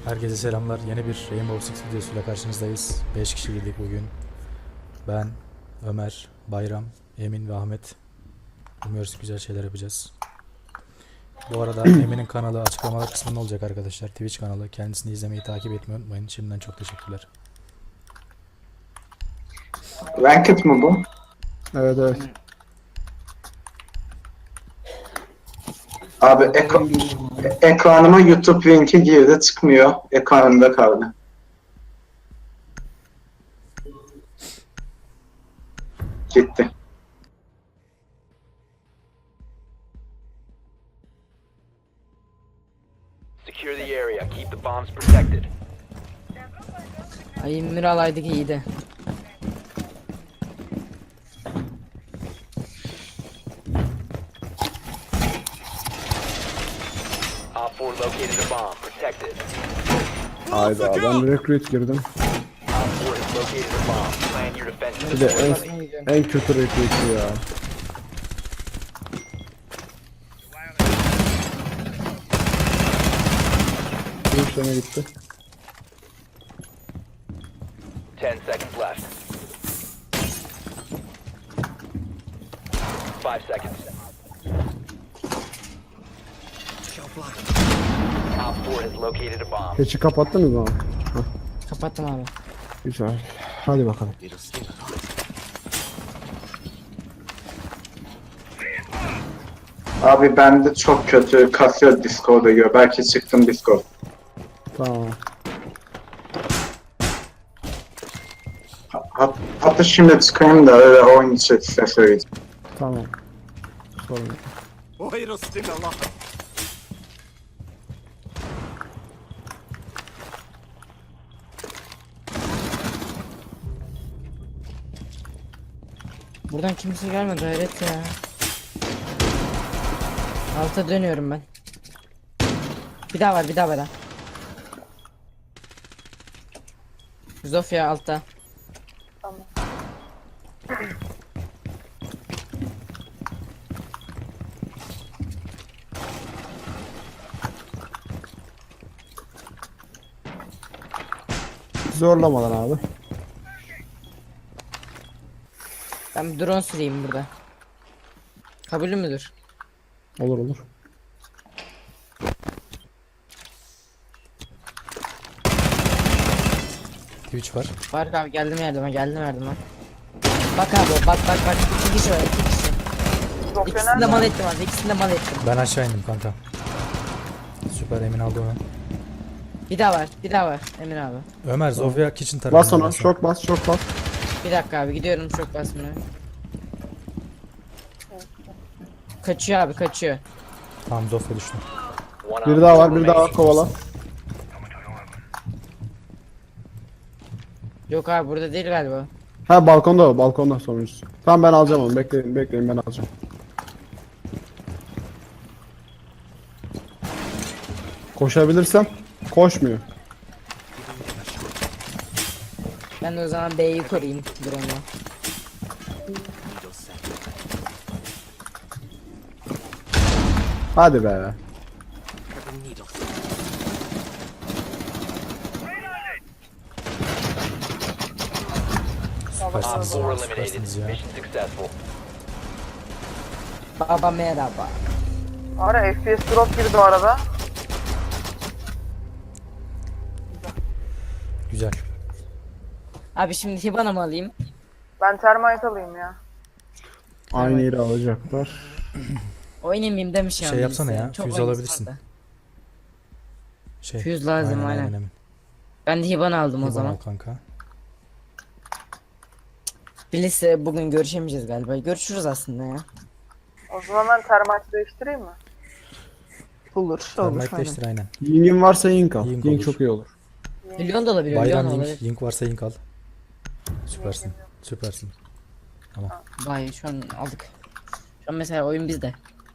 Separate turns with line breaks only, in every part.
Herkese selamlar. Yeni bir Rainbow Six videosuyla karşınızdayız. 5 kişi girdik bugün. Ben, Ömer, Bayram, Emin ve Ahmet. Umuyoruz güzel şeyler yapacağız. Bu arada Emin'in kanalı açıklamalar kısmında olacak arkadaşlar. Twitch kanalı. Kendisini izlemeyi, takip etmeyi unutmayın. Şimdiden çok teşekkürler.
Ranked mı bu?
Evet evet.
Abi ekranıma YouTube linki girdi çıkmıyor. Ekranımda kaldı. Gitti.
Secure the area. Keep the bombs protected.
Ay Emir alaydık iyiydi.
Op 4 located a bomb. Protected.
Hayda ben recruit girdim.
Op 4 has located a bomb. Plan your defense.
Bir de en kötü recruit ya. Bir işleme gitti.
10 seconds left. 5 seconds. Op 4 has located a bomb.
Keçi kapattınız mı?
Kapattım abi.
Güzel. Hadi bakalım.
Abi bende çok kötü kasıyor Discord'a göre. Belki çıktım Discord.
Tamam.
Hatta şimdi çıkayım da öyle oyun içi size söyleyeceğim.
Tamam. Sorun yok.
Buradan kimse gelmedi hayret ya. Alta dönüyorum ben. Bir daha var bir daha var. Zofia altta.
Zorlamadan abi.
Ben bir drone süreyim burada. Kabulü müdür?
Olur olur.
Twitch var.
Fark abi geldim yardıma. Bak abi bak. İki kişi var iki kişi. İkisini de mal ettim abi ikisini de mal ettim.
Ben aşağı indim kanka. Süper, Emin aldı onu.
Bir daha var Emir abi.
Ömer, Zofia Kitchen tarafında.
Bas ona. Şok bas şok bas.
Bir dakika abi gidiyorum çok basmıyor. Kaçıyor abi kaçıyor.
Tamam, Zofia düştü.
One
Bir
op
daha
4
var bir daha var
remaining.
kovala.
Yok abi burada değil galiba.
Ha balkonda o balkonda sonuncusu. Tamam ben alacağım onu bekleyin ben alacağım. Koşabilirsem koşmuyor.
Ben de o zaman B'yi koruyayım drone'la.
Hadi be.
Süpersiniz
Op 4
ya.
eliminated.
Süpersiniz ya.
Mission successful.
Baba merhaba.
Ara FPS drop girdi o arada.
Güzel.
Abi şimdi Hibana mı alayım?
Ben termite alayım ya.
Aynı yeri alacaklar.
Oynamayayım demiş
Şey
ya.
yapsana
birisi.
ya,
Çok
füze
oyun
alabilirsin.
sardı.
Şey.
Füze lazım, aynen.
Emin.
Ben de Hibana aldım o
İyi,
zaman.
bana al kanka.
Bilirse bugün görüşemeyeceğiz galiba. Görüşürüz aslında ya.
O zaman ben termite değiştireyim mi?
Olur.
Termite değiştir aynen.
Ying'in varsa Ying al.
Ying
Ying
olur.
çok iyi olur.
Milyon da olabilir.
Bayram
Milyon
Yink.
olabilir.
Yink varsa Yink al. Süpersin. Süpersin.
Vay şu an aldık. Şu an mesela oyun bizde.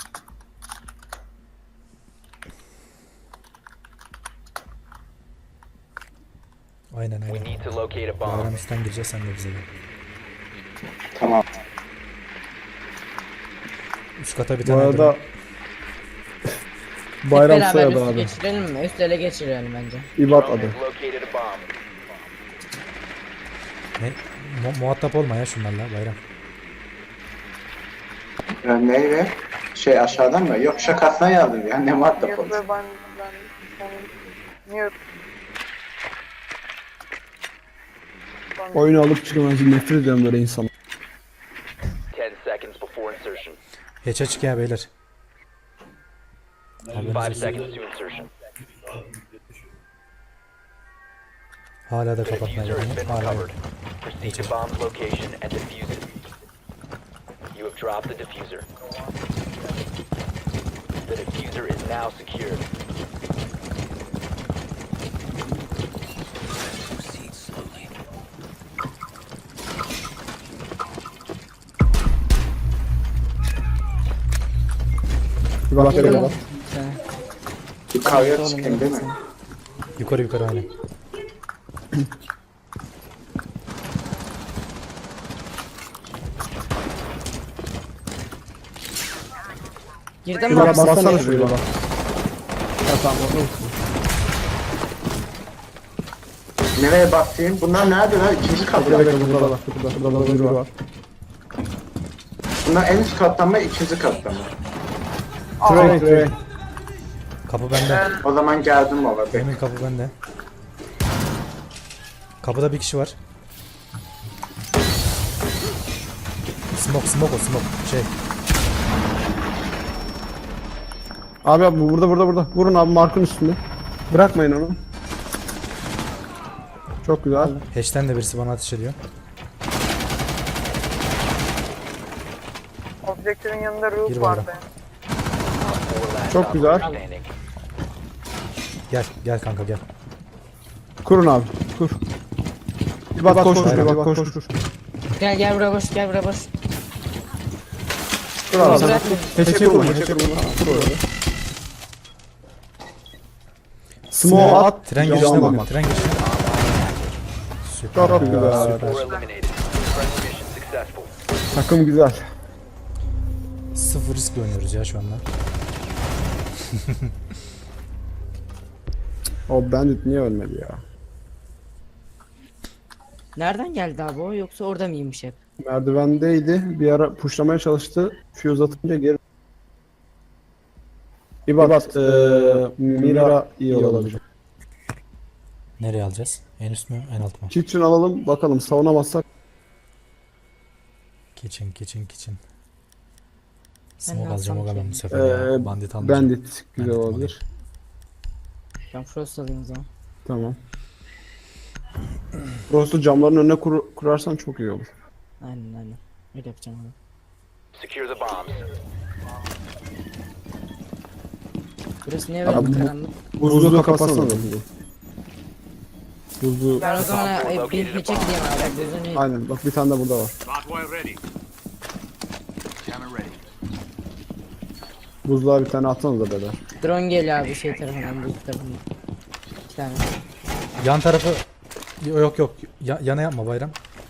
Aynen
We
aynen.
need to locate a bomb.
Bayram üstten gireceğiz, sen de bize gel.
Tamam.
Üst kata bir
Bu
tane
arada Bayram
beraber
soyadı
üstü
abi.
geçirelim mi? Üst ele geçirelim bence.
İbat
Drone
adı.
has located a bomb.
Ne? Muhatap olma ya şunlarla Bayram.
Neyle? Şey aşağıdan mı? Yok şakasına yazdım ya. Ne muhatap
Yok
oldu.
be ben Mute.
Oyunu alıp çıkamaz. Nefret ediyorum böyle insanlar.
10 seconds before insertion.
Hiç açık ya beyler.
5 seconds to insertion.
Hala da
The
kapatmaya
diffuser has
gidiyor.
been
Hala yok.
recovered. Proceed to bomb's location and defuse it. You have dropped the diffuser. The diffuser is now secured.
İbat geliyor bak.
Yukarıya çıkayım değil mi?
Yukarı yukarı aynen.
Girdim mi?
İbat bassana şuraya bak. Ya tamam bakalım.
Nereye bakayım? Bunlar nerede lan? İkinci kat.
Burada bekle burada bak. Burada biri var.
Bunlar en üst kattan mı? İkinci kattan mı?
Trey.
Kapı bende.
O zaman geldim orada.
Emin kapı bende. Kapıda bir kişi var. Smoke o smoke. Şey.
Abi bu burada. Vurun abi markın üstünde. Bırakmayın onu. Çok güzel.
Hatch'ten de birisi bana ateş ediyor.
Objektifin yanında
Gir
Rook
bana.
vardı.
Four last
Çok güzel.
operator standing.
Gel kanka gel.
Kurun abi. Kur. İbat koş. İbat koş.
Gel buraya boş, gel buraya boş.
Kur abi.
Bırak.
Teşekkür ederim. Kur orada. Smoke at.
Tren
Cam
girişine
alma.
bakın. Tren girişine. Süper.
Çok güzel.
Four eliminated. Friendly mission successful.
Takım güzel.
Sıfır riskle oynuyoruz ya şu anda.
O bandit niye ölmedi ya?
Nereden geldi abi o, yoksa orada mıymış hep?
Merdivendeydi. Bir ara pushlamaya çalıştı. Fuse atınca geri... İbat, Mira iyi olabilir.
Nereye alacağız? En üst mü? En alt mı?
Kitchen alalım bakalım savunamazsak.
Kitchen.
Ben
Smoke
ne
alacağım o
alsam
zaman
ki?
bu sefer ya. Bandit almayacağım.
Bandit güzel
Bandit
olabilir.
Ben Frost alayım o zaman.
Tamam. Frost'u camların önüne kurarsan çok iyi olur.
Aynen. Öyle yapacağım abi.
Secure the bombs.
Burası niye
Abi
böyle
bu-
karanlık?
Buzluğu kapatsana. Buzluğu...
Ben o zaman bir peçe gideyim abi. Gözünü...
Aynen bak bir tane de burada var. Buzluğa bir tane atsanız da beyler.
Drone geliyor abi şey tarafından, bu tarafından. 2 tane.
Yan tarafı... Yok. Yana yapma Bayram.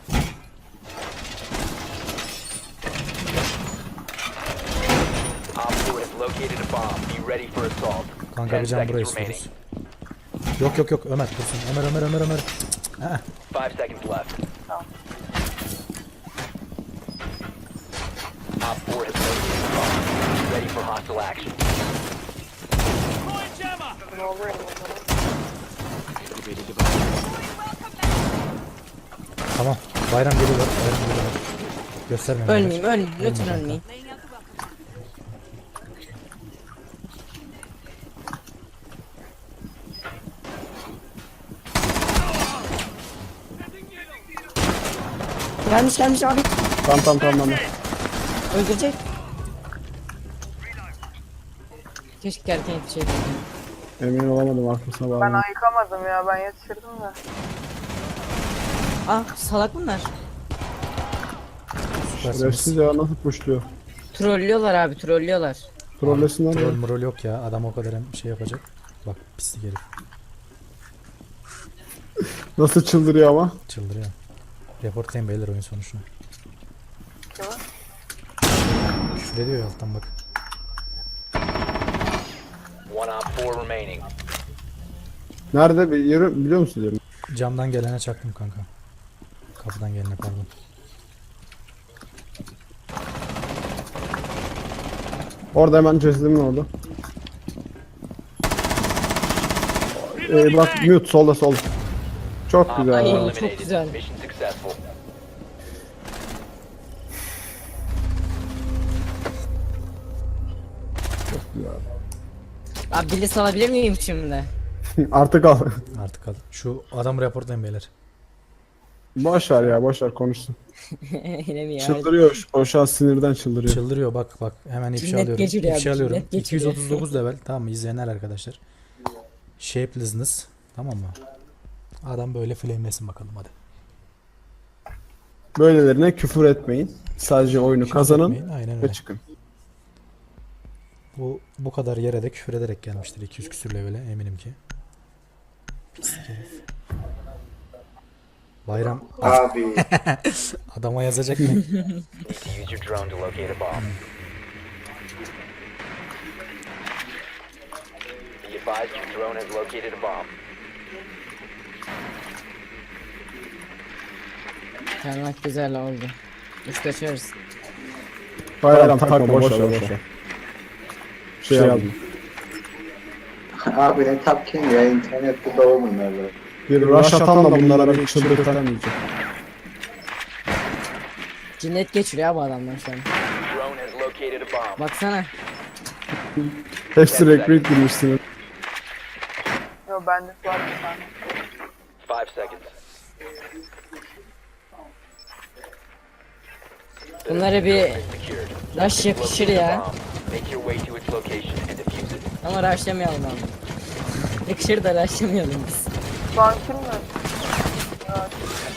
Op 4 has located a bomb. Be ready for assault.
Kanka
10
bir can burayı
seconds remaining.
istiyoruz. Yok Ömer dursun. Ömer.
5 seconds left. Op 4 has located a bomb. Be ready for hostile action.
Ne oluyor?
Tamam. Bayram geliyor. Gösterme.
Ölmeyeyim. Lütfen ölmeyeyim. Gelmiş abi.
Tamam.
Öldürecek. Keşke erken yetişeydim.
Emin olamadım arkasına
Ben
bağlı.
ayıkamadım ya, ben yetişirdim de.
Ah salak bunlar.
Şerefsiz ya nasıl pushluyor.
Trollüyorlar abi, trollüyorlar.
Trollesinler ya.
Troll yok ya. Adam o kadar şey yapacak. Bak pislik herif.
Nasıl çıldırıyor ama.
Çıldırıyor. Reportlayın beyler oyun sonuçunu.
Tamam.
Küfür ediyor ya alttan bak.
One op 4 remaining.
Nerede bir yeri biliyor musun yerini?
Camdan gelene çaktım kanka. Kapıdan gelene pardon.
Orada hemen cesedimin orada. Bak mute solda sol. Çok
Op
güzel.
Ay,
abi.
çok
eliminated.
güzel.
Mission successful.
Abi bilis alabilir miyim şimdi?
Artık al.
Artık al. Şu adamı reportlayın beyler.
Boş ver ya boş ver konuşsun.
Yine mi ya?
Çıldırıyor. O şu an sinirden çıldırıyor.
Çıldırıyor bak hemen ifşa
Cinnet
alıyorum.
geçiriyor abi,
İfşa alıyorum.
cinnet geçiriyor.
239 level tamam mı izleyenler arkadaşlar. Shapelessness tamam mı? Adam böyle flamelesin bakalım hadi.
Böylelerine küfür etmeyin. Sadece oyunu kazanın
Etmeyin, aynen
ve
öyle.
çıkın.
Bu kadar yere de küfür ederek gelmiştir 200 küsür levele eminim ki. Pislik herif. Bayram
Abi.
adama yazacak mı?
Need to use your drone to locate a bomb. Be advised your drone has located a bomb.
Çalmak güzel oldu. Üst açıyoruz.
Bayram takma boş ver boş ver. Şey aldım.
Abi ne tapkin ya, internette dolu bunlar böyle.
Bir rush atan da bunlara bir çıldırtamayacak.
Cinnet geçiriyor bu adamlar şu an.
Drone has located a bomb.
Baksana.
Hepsi recruit girmişsin.
Yo bende var bir tane.
5 seconds.
Bunlara bir
Secured.
rush yakışır
Locate a
ya.
bomb. Make your way to its location and defuse it.
Ama rushlamayalım abi. Yakışır da rushlamayalım biz.
Şu an kim mi? Ya,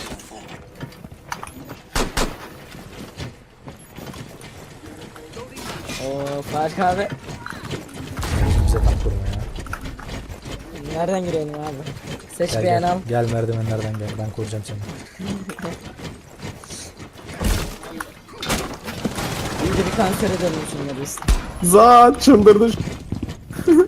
Oo Fark abi.
Bize tak kurma ya.
Nereden girelim abi? Seç
Gel
beğen al.
gel. Gel merdivenlerden gel. Ben koruyacağım seni.
İyice bir kanser edelim şunları biz.
Za çıldırdı.
You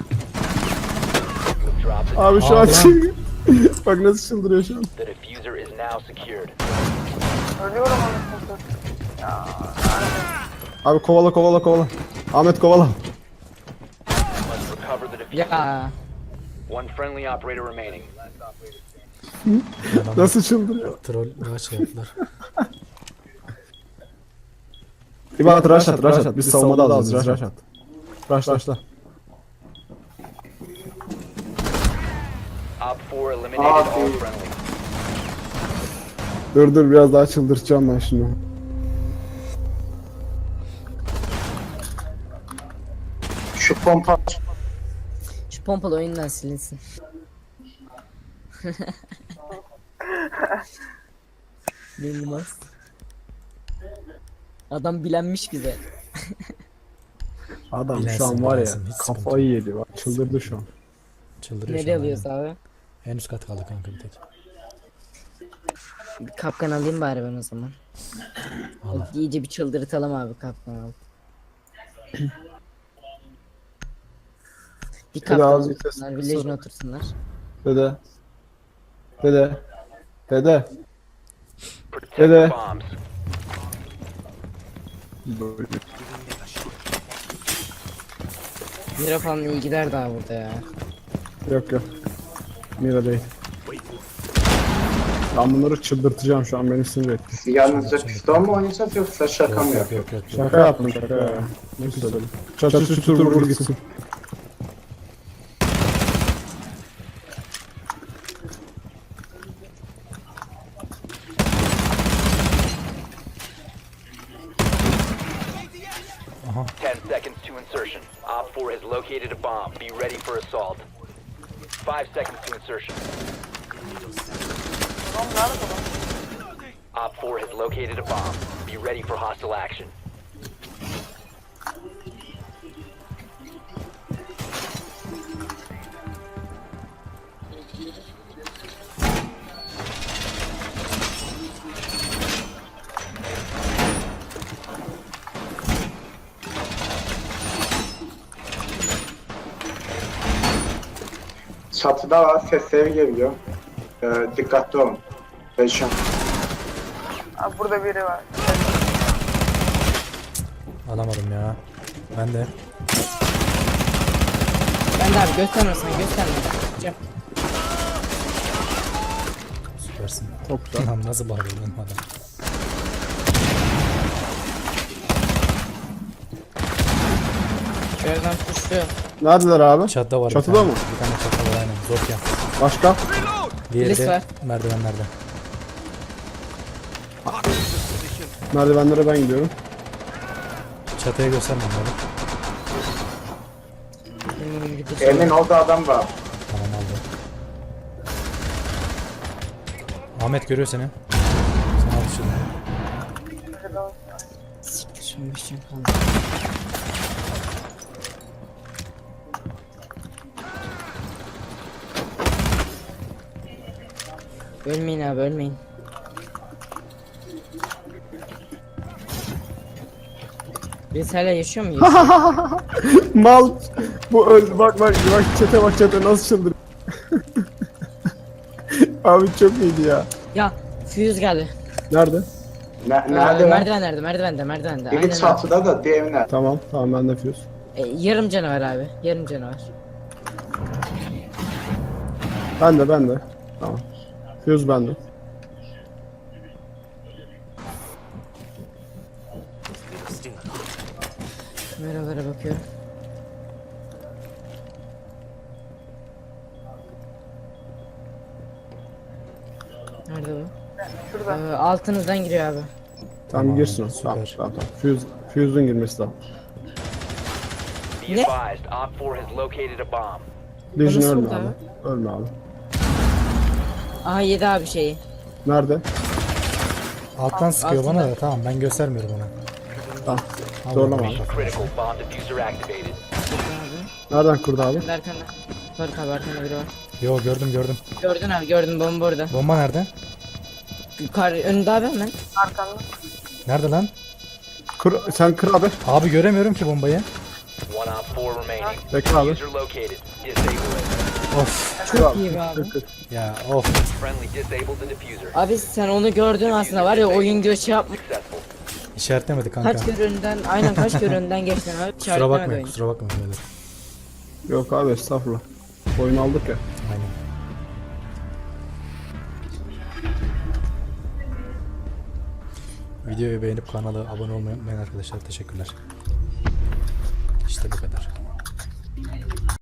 have dropped the
Abi şu an
Aa,
çıldırıyor. Bak nasıl çıldırıyor şu an.
The diffuser is now secured.
ölüyorum onu satır.
Abi kovala kovala kovala. Ahmet kovala.
Must recover the diffuser.
Ya.
One friendly operator remaining.
Nasıl çıldırıyor.
Troll daha şey yaptılar.
İbadet rush at rush at. Biz savunmada alacağız rush at. Rushla.
Op 4 eliminated all
Abi.
friendly.
Dur biraz daha çıldırtacağım ben şunu.
Şu pompa
Şu pompalı oyundan silinsin. Bilmez. Adam bilenmiş bize.
Adam
Bilensin,
şu an var ya
bilensin, hiç sıkıntı
kafayı yedi bak çıldırdı şu an.
Çıldırıyor şu
Nereye
an,
alıyoruz
aynen.
abi?
En üst kat kaldı kanka bir tek.
Bir kapkan alayım bari ben o zaman.
Al.
İyice bir çıldırtalım abi kapkan al. Bir kapkan
az
otursunlar,
vites-
village'ine otursunlar.
Dede.
Protect the
Dede.
bombs.
Mira falan iyi gider daha burada ya.
Yok. Mira değil. Ben bunları çıldırtacağım şu an beni sinir etti.
yalnızca pistol mu oynayacağız yoksa şaka mı
Yok
yapıyor?
yok yok. yok.
Şaka yaptım şaka ya. Ne söyledim. Çatır çutur vur gitsin.
Aha.
10 seconds to insertion. Op 4 has located a bomb. Be ready for assault. 5 seconds to insertion.
Oğlum nerede bu?
Op 4 has located a bomb. Be ready for hostile action.
Çatıda var, sesleri geliyor. Dikkatli olun. Perişan.
Abi burada biri var.
Alamadım ya. Ben de.
Ben de abi gösterme sen gösterme. Cem.
Süpersin.
Çok güzel.
Lan nasıl bağırıyor lan adam?
Şuradan kuşluyor.
Neredeler abi?
Çatıda var.
Çatıda
bir tane.
mı?
Bir tane çatıda var aynen. Zofia.
Başka?
Diğeri
Birisi
de
var.
merdivenlerde.
Merdivenlere ben gidiyorum.
Çatıya göstermem lazım.
Benim oyun videosu.
Emin orada adam var.
Tamam aldım. Ahmet görüyor seni. Sen al şunu.
Şimdi bir şey kaldı. Ölmeyin abi ölmeyin. Biz hala yaşıyor muyuz?
Mal. Bu öldü. Bak çete bak çete nasıl çıldırıyor. Abi çok iyiydi ya.
Ya Fuse geldi.
Nerede?
Nerede lan?
Merdivende.
Biri
Aynen
çatıda da diğeri nerede?
Tamam ben de fuse.
Yarım canavar abi. Yarım canavar.
Ben de. Tamam. Fuse bende.
Kameralara bakıyorum. Nerede bu?
Şurada.
Altınızdan giriyor abi.
Tamam girsin o.
süper.
Tamam. Fuse'un girmesi lazım.
Be
Ne?
advised, Op 4 has located a bomb.
Legion
nasıl
ölme
oldu
abi. Ölme abi.
Aha yedi abi şeyi.
Nerede?
Alttan sıkıyor bana
altında.
da tamam ben göstermiyorum ona.
Tamam.
Al
Zorlama
bakalım
abi.
kafana.
Critical bomb diffuser activated.
Nereden kurdu abi?
Arkanda. Faruk abi arkanda biri var.
Yo gördüm.
Gördün abi gördün bomba orada.
Bomba nerede?
Yukarı önünde abi hemen.
Arkanda.
Nerede lan?
Sen kır abi.
Abi göremiyorum ki bombayı.
One Op 4 remaining.
Bekle abi.
Diffuser located. Disable it.
Of
Çok iyi be abi.
ya of.
Friendly disabled the diffuser.
Abi sen onu gördün aslında var ya oyun diyor şey yapma.
Successful.
İşaretlemedi kanka.
Kaç kere önünden aynen kaç kere önünden geçtin abi.
Kusura
İşaretlemedi
bakmayın
oyun.
kusura bakmayın beyler.
Yok abi estağfurullah. Oyun aldık ya.
Aynen. Videoyu beğenip kanala abone olmayı unutmayın arkadaşlar. Teşekkürler. İşte bu kadar.